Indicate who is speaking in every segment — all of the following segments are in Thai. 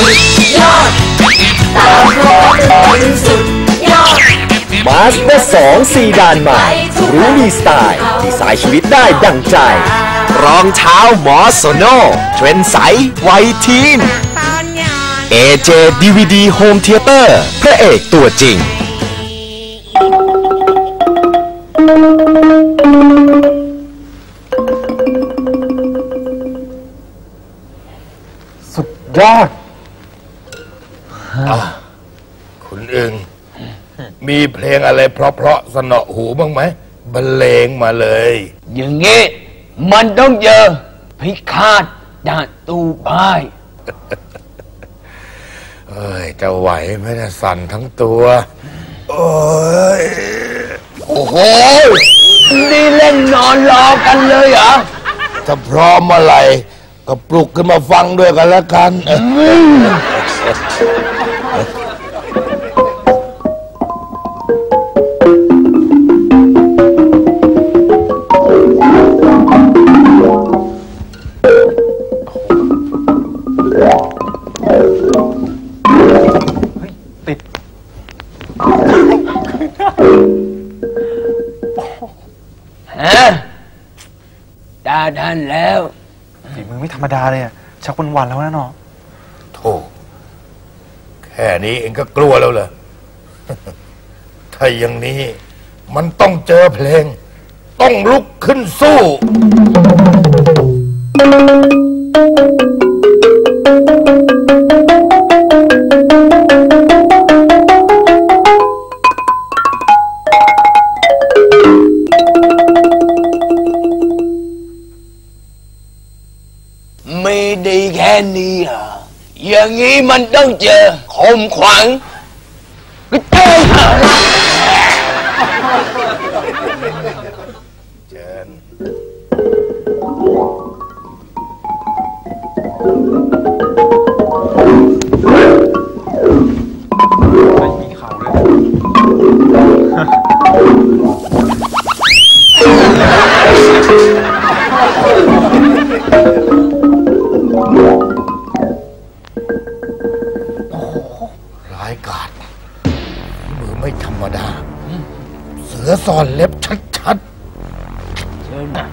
Speaker 1: ยอดตามรอยสุดยอด
Speaker 2: มาสเตอร์2 4 ด่านใหม่รู้มีสไตล์ดีไซน์ชีวิตได้ดั่งใจรองเท้าหมอโซโน่เทรนด์ใสไวทีน AJ DVD Home Theater พระเอกตัวจริง
Speaker 3: สุดยอด
Speaker 4: คุณอึงมีเพลงอะไรเพราะๆสนอหูบ้างไหมบรรเลงมาเลย
Speaker 5: อย่างงี้มันต้องเจอพิฆาตดาตูป้าย
Speaker 4: เอ้ยจะไหวไหมนะสั่นทั้งตัวโอ้ย
Speaker 5: โอ้โหนี่เล่นนอนรอกันเลยเหรอ
Speaker 4: ถ้าพร้อมเมื่อไหร่ก็ปลุกขึ้นมาฟังด้วยกันแล้วกัน
Speaker 3: ติด
Speaker 5: ตาท่านแล้ว
Speaker 3: ฝีมือไม่ธรรมดาเลยอ่ะชักวันๆแล้วนะเนาะ
Speaker 4: โธ่แค่นี้เองก็กลัวแล้วเหรอ ถ้าอย่างนี้มันต้องเจอเพลงต้องลุกขึ้นสู้
Speaker 5: ไม่ดีแค่นี้เหรออย่างนี้มันต้องเจอคมขวัญก็เจอ
Speaker 4: เชิญ
Speaker 3: ไม่มีเข่าด้วย
Speaker 4: ร้ายกาจมือไม่ธรรมดาเสือซ่อนเล็บชัดๆเชิญนะ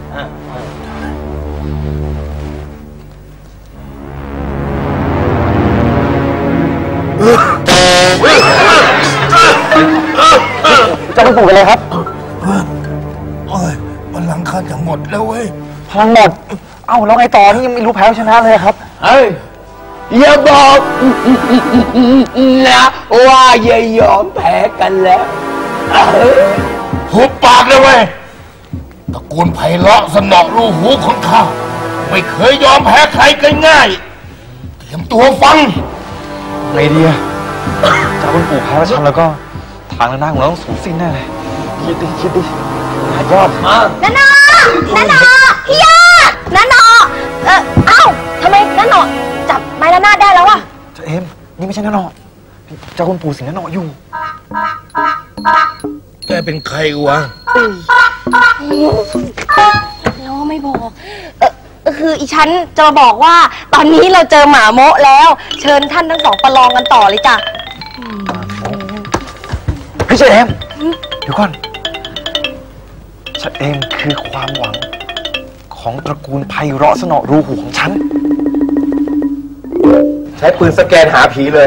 Speaker 3: จะไปปลูกอะไรครับ
Speaker 4: โอ้ยพลังข้าจะหมดแล้วเว้ย
Speaker 3: พลังหมดเอ้าแล้วไงต่อนี่ยังไม่รู้แพ้ชนะเลยครับ
Speaker 5: เฮ้ยอย่าบอกนะว่าอย่ายอมแพ้กันแล้ว
Speaker 4: หุบปากเลยเว้ยตระกูลไพเราะสนอรูหูของข้าไม่เคยยอมแพ้ใครง่ายๆเตรียมตัวฟัง
Speaker 3: ไงดีอะจะเป็นปู่แพ้ชันแล้วก็ทางหน้าของเราต้องสูญสิ้นแน่เลยคิดดิยอดมา
Speaker 1: นานาพี่ยอดนานาเอ้าทำไมนานาจับไม้ละนาดได้แล้วอะ
Speaker 3: เจ้าเอ็มนี่ไม่ใช่นานาเจ้าคุณปู่สิงนานาอยู่
Speaker 4: แกเป็นใครวะ
Speaker 1: แล้วไม่บอกคืออีฉันจะมาบอกว่าตอนนี้เราเจอหมาโมะแล้วเชิญท่านทั้งสองประลองกันต่อเลยจ้ะ
Speaker 3: พี่เจ้าเอ็มเดี๋ยวก่อนฉันเองคือความหวังของตระกูลไพเราะสนอรูหูของฉันใช้ปืนสแกนหาผีเลย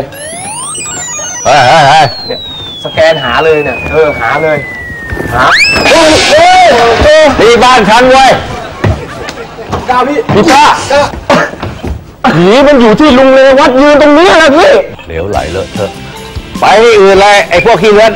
Speaker 3: เนี่ยสแกนหาเลยเนี่ยหาเลยหาที่บ้านฉันเว้ยก้าวพี่ป้าผีมันอยู่ที่ลุงเลวัดยืนตรงนี้แหละพี่
Speaker 4: เหลวไหลเลอะเทอะ
Speaker 3: ไปที่อื่นเลยไอ้พวกขี้เลื้อน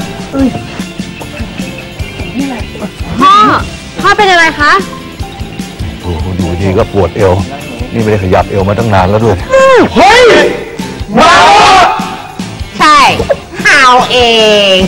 Speaker 1: พ่อเป็นอะไรคะ
Speaker 4: โอ้อยู่ดีก็ปวดเอวนี่ไม่ได้ขยับเอวมาตั้งนานแล้วด้วย
Speaker 3: เฮ้ยมา
Speaker 1: ใช่เอาเอง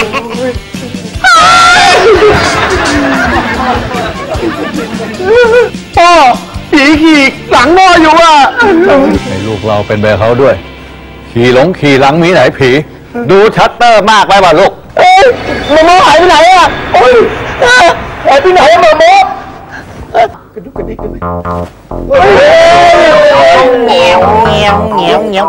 Speaker 3: พ่อผีขี่หลังพ่ออยู่อ่ะ
Speaker 4: ให้ลูกเราเป็นแบบเขาด้วยขี่หลังมีไหนผีดูชัตเตอร์มากไปป่ะลูก
Speaker 3: มาโมหายไปไหนอ่ะโอ้ยหายไปไหนมาโมกระดุกกระดิกกันไหม
Speaker 5: เงี้ยวเงี้ยวเงี้ยวเงี้ยว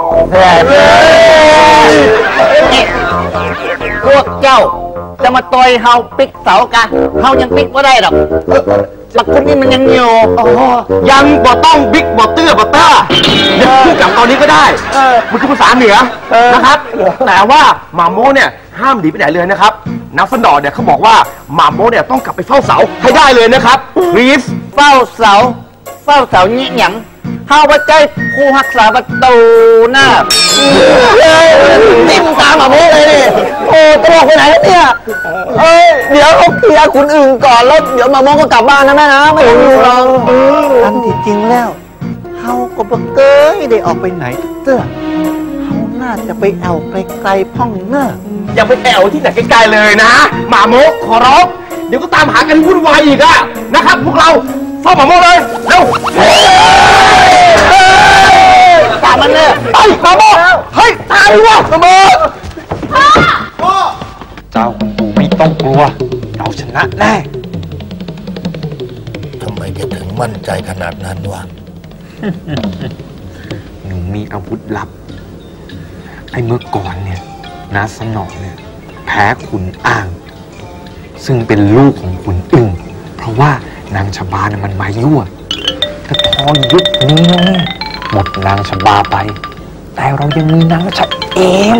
Speaker 5: พวกเจ้าจะมาต่อยเฮาปิกเสากะเฮายังปิกไม่ได้หรอกหลักคนนี้มันยังอยู่
Speaker 3: ยังบ่ต้องบิ๊กบ่เตื้อบ่ต้าเดี๋ยวพูดกับตอนนี้ก็ได้มันคือภาษาเหนือนะครับแต่ว่าหมาโมเนี่ยห้ามหนีไปไหนเลยนะครับนักสนอเนี่ยเขาบอกว่าหมาโมเนี่ยต้องกลับไปเฝ้าเสาให้ได้เลยนะครับ please
Speaker 5: เฝ้าเสานี่หยังเฮาว่าใจผู้รักษาประตูน่ะนิ่มตามมาโมเลยนี่โอ้ตลกไปไหนแล้วเนี่ยเดี๋ยวเขาเคลียร์คนอื่นก่อนแล้วเดี๋ยวมาโมก็กลับบ้านนะแม่นะไม่ต้องอยู่หรอกอันที่จริงแล้วเฮาก็บ่เคยได้ออกไปไหนเตื้อเฮาน่าจะไปแอวไกลๆพ่องเน้อ
Speaker 3: อย่าไปแอวที่ไหนไกลๆเลยนะหมาโมขอร้องเดี๋ยวก็ตามหากันวุ่นวายอีกอะนะครับพวกเราเฝ้าหมาโมเลยเร็วตามมันเลยไปหมาโมเฮ้ยตายวะหมาโมเจ้าคุณปู่ไม่ต้องกลัวเราชนะแน่
Speaker 4: ทำไมแกถึงมั่นใจขนาดนั้นวะ
Speaker 6: หนูมีอาวุธลับไอ้เมื่อก่อนเนี่ยนาสนอเนี่ยแพ้ขุนอ่าง ซึ่งเป็นลูกของขุนอึ่งเพราะว่านางชบาเนี่ยมันมายั่วแต่พอยุคนี้เนี่ยหมดนางชบาไปแต่เรายังมีนางชะเอม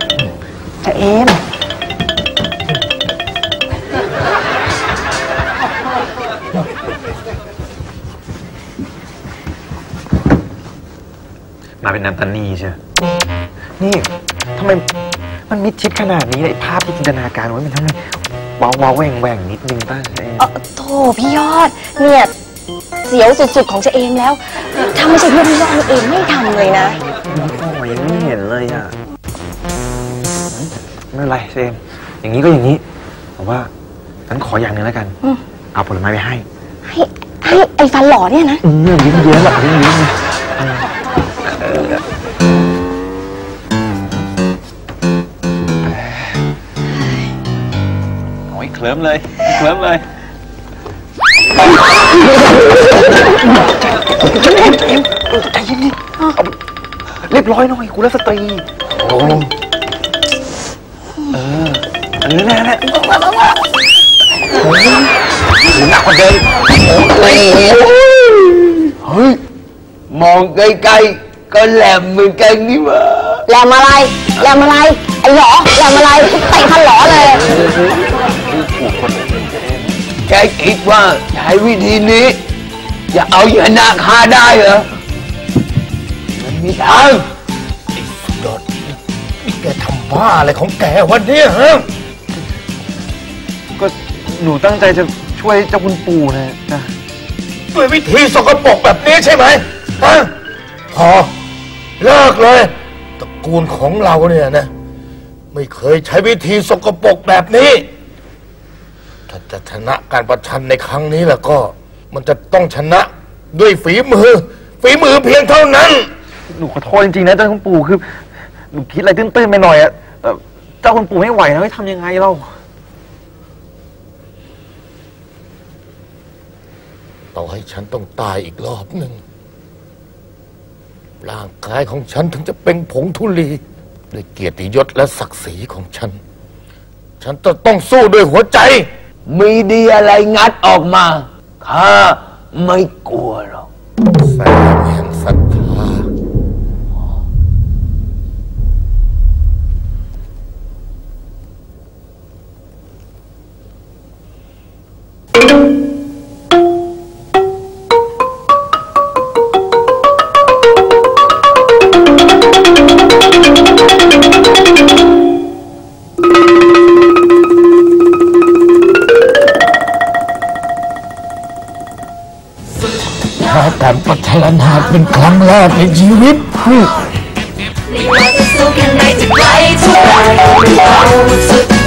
Speaker 6: มาเป็นนันตานีใช่นี่ทำไมมันมิดชิดขนาดนี้เลยภาพที่จินตนาการไว้มันทำไมว้าวแหว่งนิดนึงป่ะเอง
Speaker 1: โธ่พี่ยอดเนี่ยเสียวสุดๆของเจเอมแล้วถ้าไม่ใช่เพื่อนพี่ยอดเองไม่ทำเลยนะ
Speaker 6: โอ้ยไม่เห็นเลยอ่ะไม่เป็นไรเซมอย่างนี้ก็อย่างนี้แต่ว่าฉันขออย่างหนึ่งแล้วกันเอาผลไม้ไปให้
Speaker 1: ให้ไอ้ฟันหล่อเนี่ยนะ
Speaker 6: ยิ้มเยอะแบบยิ้มโอ้ยเคลิ้มเลยใจเย็นๆเรียบร้อยหน่อยกุลสตรีอันนี้แน่โอ้ยหนักกว่าเดิม
Speaker 5: เฮ้ยมองไกลๆก็แหลมเหมือนกันนี่หว่า
Speaker 1: แหลมอะไรไอ้หลอแหลมอะไรเตะฟันหล่อเลย
Speaker 5: แกคิดว่าใช้วิธีนี้จะเอาชนะข้าได้เหรอมันไม่ทาง
Speaker 4: ยอดนี่แกทำบ้าอะไรของแกวันนี้ฮะ
Speaker 6: ก็หนูตั้งใจจะช่วยเจ้าคุณปู่นะ
Speaker 4: ด้วยวิธีสกปรกแบบนี้ใช่ไหมฮะพอเลิกเลยตระกูลของเราเนี่ยนะไม่เคยใช้วิธีสกปรกแบบนี้ถ้าจะชนะการประชันในครั้งนี้แล้วก็มันจะต้องชนะด้วยฝีมือเพียงเท่านั้น
Speaker 6: หนูขอโทษจริงๆนะเจ้าคุณปู่คือหนูคิดอะไรตื้นๆไปหน่อยอะแต่เจ้าคุณปู่ไม่ไหวนะไม่ทำยังไงเล่า
Speaker 4: ต่อให้ฉันต้องตายอีกรอบหนึ่งร่างกายของฉันถึงจะเป็นผงธุลีด้วยเกียรติยศและศักดิ์ศรีของฉันจะต้องสู้ด้วยหัวใจ
Speaker 5: มีดีอะไรงัดออกมาข้าไม่กลัวหรอก
Speaker 4: แสงแห่งศรัทธา การพัฒนาเป็นครั้งแรกในชีวิต
Speaker 7: ไม่ว่าจะสู้แค่ไหนจะไกลเท่าไหร่เราสุด